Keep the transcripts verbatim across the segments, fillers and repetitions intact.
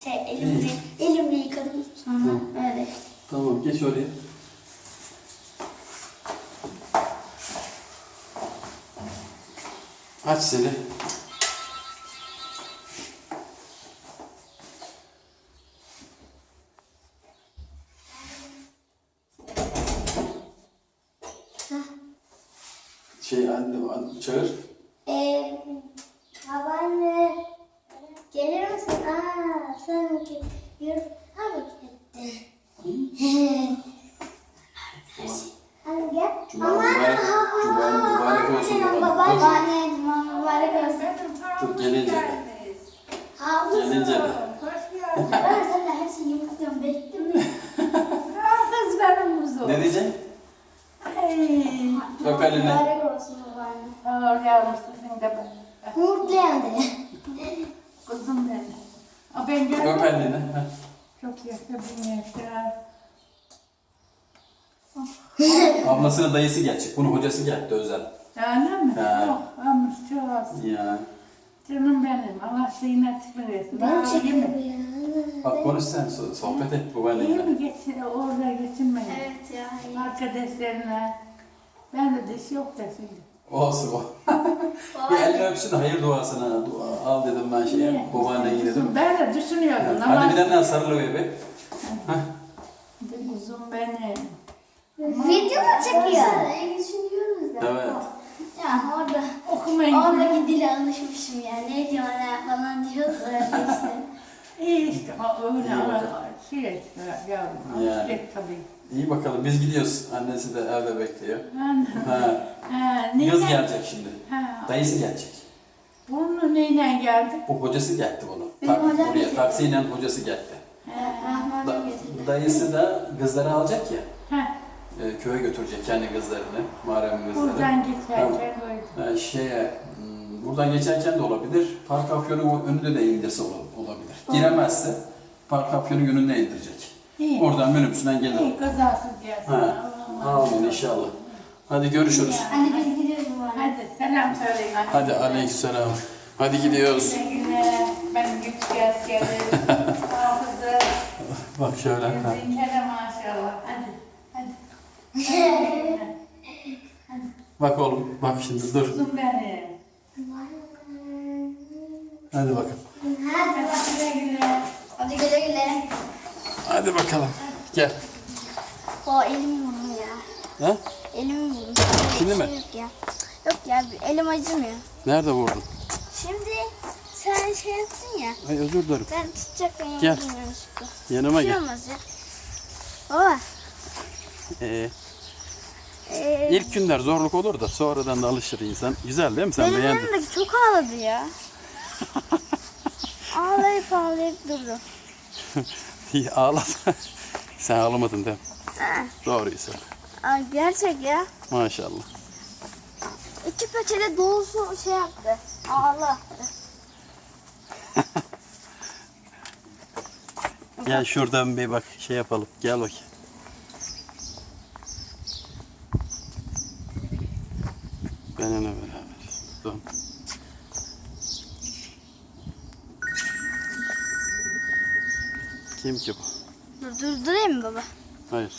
Şey, elimle, elimle yıkadım sonra Tamam. öyle. Tamam, geç oraya. Aç seni. Şey anne, anne çağır. Eee, babaanne, gelir misin? Aa, sen ki, yürü, ha bak gitti. Anne gel. Cuma mübarek, Cuma mübarek olsun baban. Dur, Babaanne, cuma mübarek olsun. dur gelince de. Haklısın. Gelince de. Ben sen de her şeyi yumurtluyorum, bekliyorum. Kız benim kuzum. Ne diyeceksin? Ay. Öp elini. Mübarek olsun babaanne. Ağır yavrum sizin de ben. Yumurtlayan de. Kuzum benim. O ben Öp gördüm. elini. Heh. Çok yaşa bin yaşa. Ablasının dayısı gelecek. Bunun hocası geldi özel. Canım mı? Ha. Çok almış çok olsun. Ya. Canım benim. Allah ziynet versin. Ben Aa, iyi çekiyorum mi? ya. Bak konuş sen, so- sohbet et İyi babaanneyle. mi geçin? Orada geçinmeyin. Evet ya. iyi. Arkadaşlarına. Ben de diş yok da şimdi. Olsun o. Bir elini öpsün, hayır duasına. Dua, al dedim ben şeye, babaanneye dedim. Ben de düşünüyordum. Hadi bir tane sarılı bebe. Kuzum benim. Video mu çekiyor? Ne düşünüyoruz da. Evet. Ya orada, Okumayın. oradaki dile alışmışım ya. Ne diyor ne falan diyoruz öyle işte. İyi işte o öyle İyi bakalım. şey işte yavrum. Yani. Alışacak tabii. İyi bakalım, biz gidiyoruz. Annesi de evde bekliyor. Ana. Ha. Ha, Yaz neyle- gelecek şimdi. Ha. Dayısı gelecek. Bunu neyle geldi? Bu hocası geldi bunu. Benim Tak, hocam buraya gelecek. taksiyle hocası geldi. Rahman Da, getirdi. dayısı da kızları alacak ya. Ha. E, köye götürecek kendi kızlarını. Muharrem'in kızlarını. Buradan geçerken koydum. Ha, şeye, hmm, buradan geçerken de olabilir. Park afyonu önünde de indirse ol- olabilir. Giremezse park afyonu önünde indirecek. İyi. Oradan minibüsünden gelir. İyi kazasız gelsin. Ha. Allah'ım. Amin inşallah. Hadi görüşürüz. Anne biz gidiyoruz bu arada. Hadi selam söyleyin. Hadi aleykümselam. Hadi gidiyoruz. Güle güle. Ben güçlü askerim. Hafızı. Bak şöyle. Ha. Zinkere maşallah. Hadi. Hadi. Bak oğlum, bak şimdi dur. Kuzum benim. Hadi bakalım. Hadi bak. Güle güle. Hadi güle güle. Hadi bakalım. Gel. O elim vurdu ya. Ha? Elim vurdu. Şimdi Bir mi? şey Yok ya. Yok ya elim acımıyor. Nerede vurdun? Şimdi sen şey yaptın ya. Ay özür dilerim. Ben tutacaktım ya. Gel. bilmiyorum. Yanıma Bir şey gel. olmaz ya. Baba. Ee, Ee, ilk günler zorluk olur da sonradan da alışır insan. Güzel değil mi? Sen benim beğendin. yanımdaki çok ağladı ya. ağlayıp ağlayıp durdu. İyi ağlat. Sen ağlamadın değil mi? Ha. Doğruyu söyle. Ay, gerçek ya. Maşallah. İki peçete dolusu şey yaptı. Ağla. Gel şuradan bir bak şey yapalım. Gel bakayım. Benimle beraber. Dur. Kim ki bu? Dur, durdurayım mı baba? Hayır.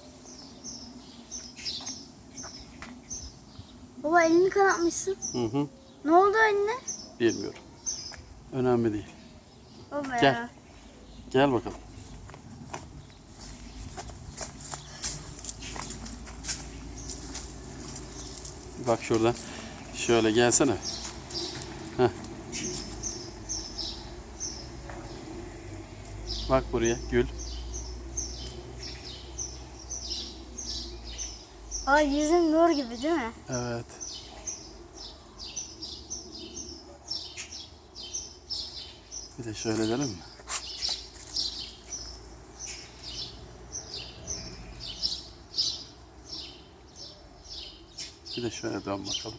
Baba elini kanatmışsın. Hı hı. Ne oldu eline? Bilmiyorum. Önemli değil. Baba Gel. ya. Gel bakalım. Bak şuradan. Şöyle gelsene. Heh. Bak buraya gül. Baba yüzün nur gibi değil mi? Evet. Bir de şöyle edelim mi? Bir de şöyle dön bakalım.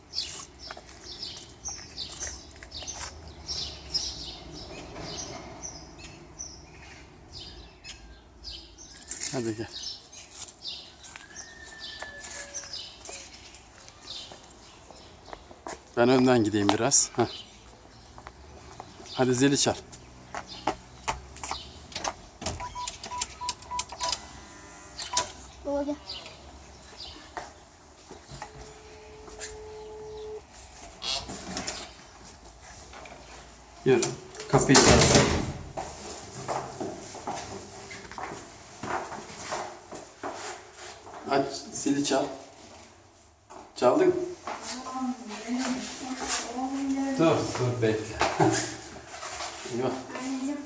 Hadi gel. Ben önden gideyim biraz. Heh. Hadi zili çal. gel. Yürü. Kapıyı çalsın. Aç, zili çal. Çaldın. Dur, dur bekle. Yok. Anneciğim.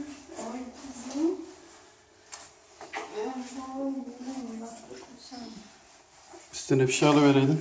Üstüne bir şey alıvereydin.